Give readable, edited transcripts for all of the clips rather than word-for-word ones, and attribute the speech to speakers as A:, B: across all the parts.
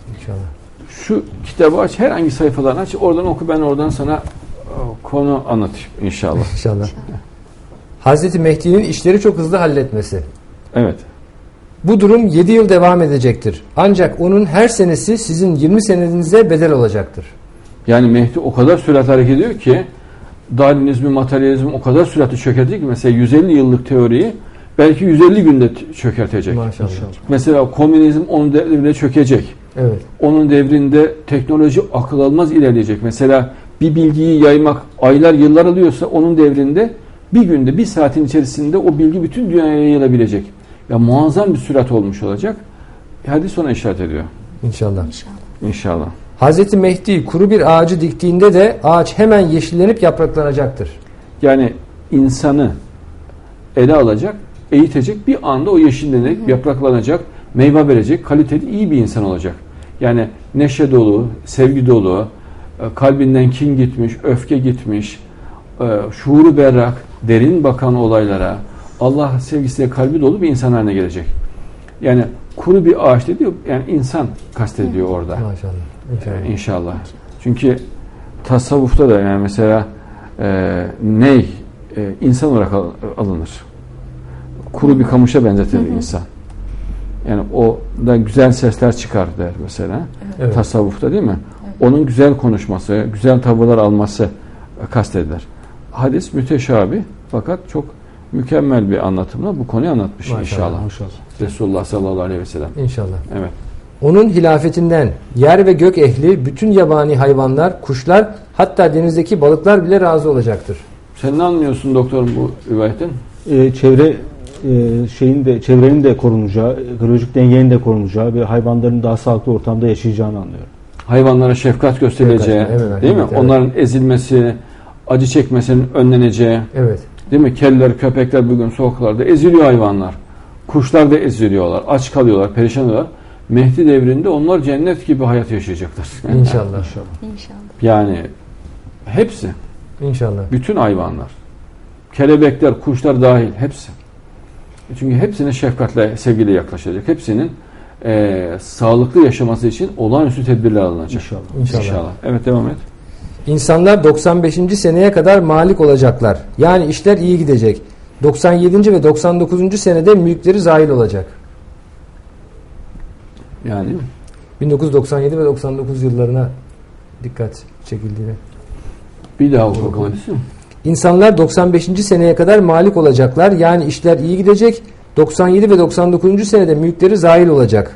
A: İnşallah.
B: Şu kitabı aç, herhangi sayfalarını aç, oradan oku, ben oradan sana konu anlatayım inşallah.
A: İnşallah. Hazreti Mehdi'nin işleri çok hızlı halletmesi.
B: Evet.
A: Bu durum 7 yıl devam edecektir. Ancak onun her senesi sizin 20 senenize bedel olacaktır.
B: Yani Mehdi o kadar süratli hareket ediyor ki Darwinizmi, materyalizmi o kadar süratli çökertecek ki mesela 150 yıllık teoriyi belki 150 günde çökertecek.
A: Maşallah.
B: Mesela komünizm onun devrinde çökecek.
A: Evet.
B: Onun devrinde teknoloji akıl almaz ilerleyecek. Mesela bir bilgiyi yaymak aylar yıllar alıyorsa onun devrinde bir günde, bir saatin içerisinde o bilgi bütün dünyaya yayılabilecek. Ya muazzam bir sürat olmuş olacak. Hadis ona işaret ediyor.
A: İnşallah.
B: İnşallah.
A: Hazreti Mehdi kuru bir ağacı diktiğinde de ağaç hemen yeşillenip yapraklanacaktır.
B: Yani insanı ele alacak, eğitecek, bir anda o yeşillenecek, yapraklanacak, meyve verecek, kaliteli, iyi bir insan olacak. Yani neşe dolu, sevgi dolu, kalbinden kin gitmiş, öfke gitmiş, şuuru berrak, derin bakan olaylara, Allah sevgisiyle kalbi dolu bir insan haline gelecek. Yani kuru bir ağaç dediği, yani insan kastediyor orada.
A: Maşallah. İnşallah.
B: İnşallah. Çünkü tasavvufta da yani mesela ney insan olarak alınır. Kuru bir kamışa benzetilir insan. Yani o da güzel sesler çıkar der mesela.
A: Evet.
B: Tasavvufta değil mi? Evet. Onun güzel konuşması, güzel tavırlar alması kastedilir. Hadis müteşabih fakat çok mükemmel bir anlatımla bu konuyu anlatmış inşallah.
A: Maşallah.
B: Resulullah sallallahu aleyhi ve sellem.
A: İnşallah.
B: Evet.
A: Onun hilafetinden yer ve gök ehli, bütün yabani hayvanlar, kuşlar, hatta denizdeki balıklar bile razı olacaktır.
B: Sen ne anlıyorsun doktorum bu rivayetten?
C: Çevrenin de korunacağı, ekolojik dengenin de korunacağı ve hayvanların daha sağlıklı ortamda yaşayacağını anlıyorum.
B: Hayvanlara şefkat gösterileceği,
A: Evet,
B: değil mi?
A: evet.
B: Onların ezilmesi, acı çekmesinin önleneceği,
A: Evet.
B: değil mi? Kediler, köpekler bugün sokaklarda eziliyor hayvanlar. Kuşlar da eziliyorlar, aç kalıyorlar, perişan oluyorlar. Mehdi devrinde onlar cennet gibi hayat yaşayacaklar.
A: İnşallah.
D: İnşallah.
B: Yani hepsi,
A: İnşallah.
B: bütün hayvanlar, kelebekler, kuşlar dahil hepsi. Çünkü hepsine şefkatle, sevgiyle yaklaşacak. Hepsinin sağlıklı yaşaması için olağanüstü tedbirler alınacak.
A: İnşallah.
B: Evet, devam et.
A: İnsanlar 95. seneye kadar malik olacaklar. Yani işler iyi gidecek. 97. ve 99. senede mülkleri zahil olacak.
B: Yani
A: 1997 ve 99 yıllarına dikkat çekildiğini.
B: bir daha oku hadisi.
A: İnsanlar 95. seneye kadar malik olacaklar. Yani işler iyi gidecek. 97 ve 99. senede mülkleri zahil olacak.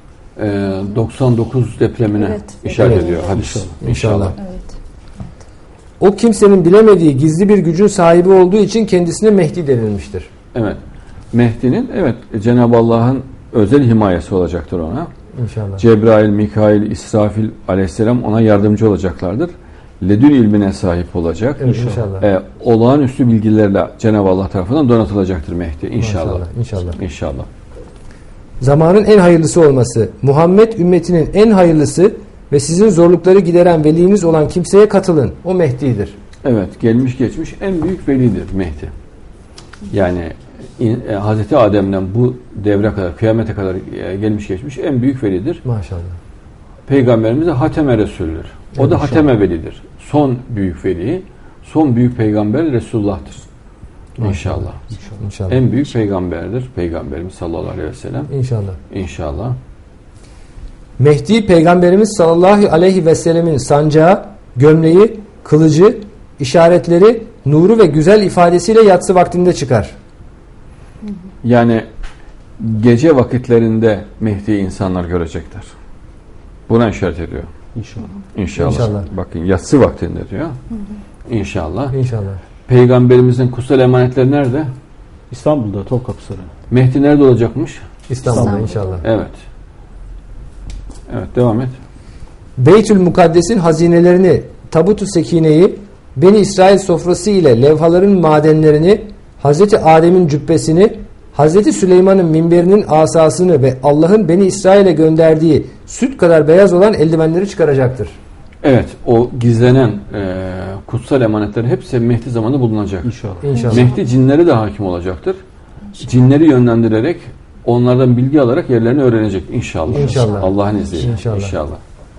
B: 99 depremine
D: Evet.
B: işaret
A: Evet.
B: ediyor hadis.
A: İnşallah.
D: Evet.
A: O kimsenin bilemediği gizli bir gücün sahibi olduğu için kendisine Mehdi denilmiştir.
B: Evet. Mehdi'nin Cenab-ı Allah'ın özel himayesi olacaktır ona.
A: İnşallah.
B: Cebrail, Mikail, İsrafil aleyhisselam ona yardımcı olacaklardır. Ledün ilmine sahip olacak.
A: Evet, inşallah.
B: Olağanüstü bilgilerle Cenab-ı Allah tarafından donatılacaktır Mehdi. İnşallah.
A: İnşallah.
B: İnşallah.
A: Zamanın en hayırlısı olması, Muhammed ümmetinin en hayırlısı ve sizin zorlukları gideren veliniz olan kimseye katılın. O Mehdi'dir.
B: Evet, gelmiş geçmiş en büyük velidir Mehdi. Yani Hazreti Adem'den bu devre kadar, kıyamete kadar gelmiş geçmiş en büyük velidir.
A: Maşallah.
B: Peygamberimiz de Hateme Resul'dür. O da Hateme Velidir. Son büyük veli, son büyük peygamber Resulullah'tır. İnşallah.
A: İnşallah.
B: En büyük peygamberdir Peygamberimiz sallallahu aleyhi ve sellem.
A: İnşallah.
B: İnşallah.
A: Mehdi Peygamberimiz sallallahu aleyhi ve sellemin sancağı, gömleği, kılıcı, işaretleri, nuru ve güzel ifadesiyle yatsı vaktinde çıkar.
B: Yani gece vakitlerinde Mehdi'yi insanlar görecekler. Buna işaret ediyor.
C: İnşallah.
B: İnşallah.
A: İnşallah.
B: Bakın yatsı vaktinde diyor. İnşallah.
A: İnşallah.
B: Peygamberimizin kutsal emanetleri nerede?
C: İstanbul'da Topkapı Sarayı.
B: Mehdi nerede olacakmış?
A: İstanbul'da inşallah.
B: Evet. Evet, devam et.
A: Beytül Mukaddes'in hazinelerini, Tabut-u Sekine'yi, Beni İsrail sofrası ile levhaların madenlerini, Hazreti Adem'in cübbesini, Hazreti Süleyman'ın minberinin asasını ve Allah'ın Beni İsrail'e gönderdiği süt kadar beyaz olan eldivenleri çıkaracaktır.
B: Evet, o gizlenen kutsal emanetlerin hepsi Mehdi zamanında bulunacak.
C: İnşallah.
A: İnşallah.
B: Mehdi cinlere de hakim olacaktır. Cinleri yönlendirerek onlardan bilgi alarak yerlerini öğrenecek inşallah.
A: İnşallah.
B: Allah'ın izniyle.
A: İnşallah.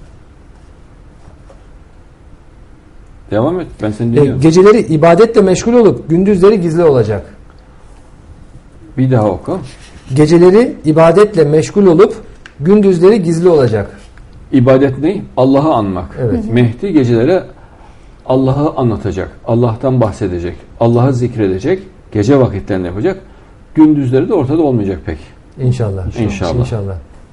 B: Devam et. Ben seni dinliyorum.
A: Geceleri ibadetle meşgul olup gündüzleri gizli olacak.
B: Bir daha oku.
A: Geceleri ibadetle meşgul olup gündüzleri gizli olacak.
B: İbadet ne? Allah'ı anmak.
A: Evet.
B: Mehdi gecelere Allah'ı anlatacak. Allah'tan bahsedecek. Allah'ı zikredecek. Gece vakitlerinde yapacak. Gündüzleri de ortada olmayacak pek.
A: İnşallah.
B: İnşallah.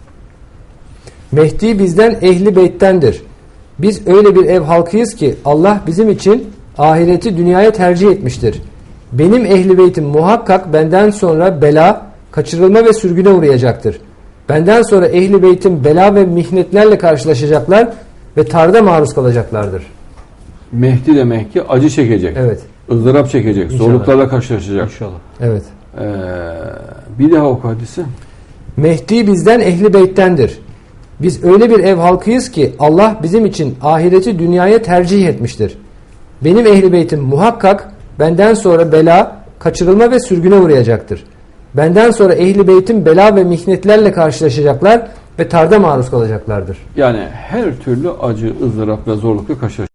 A: Mehdi bizden ehli beyttendir. Biz öyle bir ev halkıyız ki Allah bizim için ahireti dünyaya tercih etmiştir. Benim ehli beytim muhakkak benden sonra bela, kaçırılma ve sürgüne uğrayacaktır. Benden sonra ehli beytim bela ve mihnetlerle karşılaşacaklar ve tarda maruz kalacaklardır.
B: Mehdi demek ki acı çekecek.
A: Evet.
B: ızdırap çekecek.
A: İnşallah.
B: Zorluklarla karşılaşacak.
C: İnşallah.
A: Evet.
B: Bir daha oku hadisi.
A: Mehdi bizden ehli beyttendir. Biz öyle bir ev halkıyız ki Allah bizim için ahireti dünyaya tercih etmiştir. Benim ehli beytim muhakkak benden sonra bela, kaçırılma ve sürgüne uğrayacaktır. Benden sonra ehli beytim bela ve mihnetlerle karşılaşacaklar ve tarda maruz kalacaklardır.
B: Yani her türlü acı, ızdırap ve zorlukla karşılaşacak.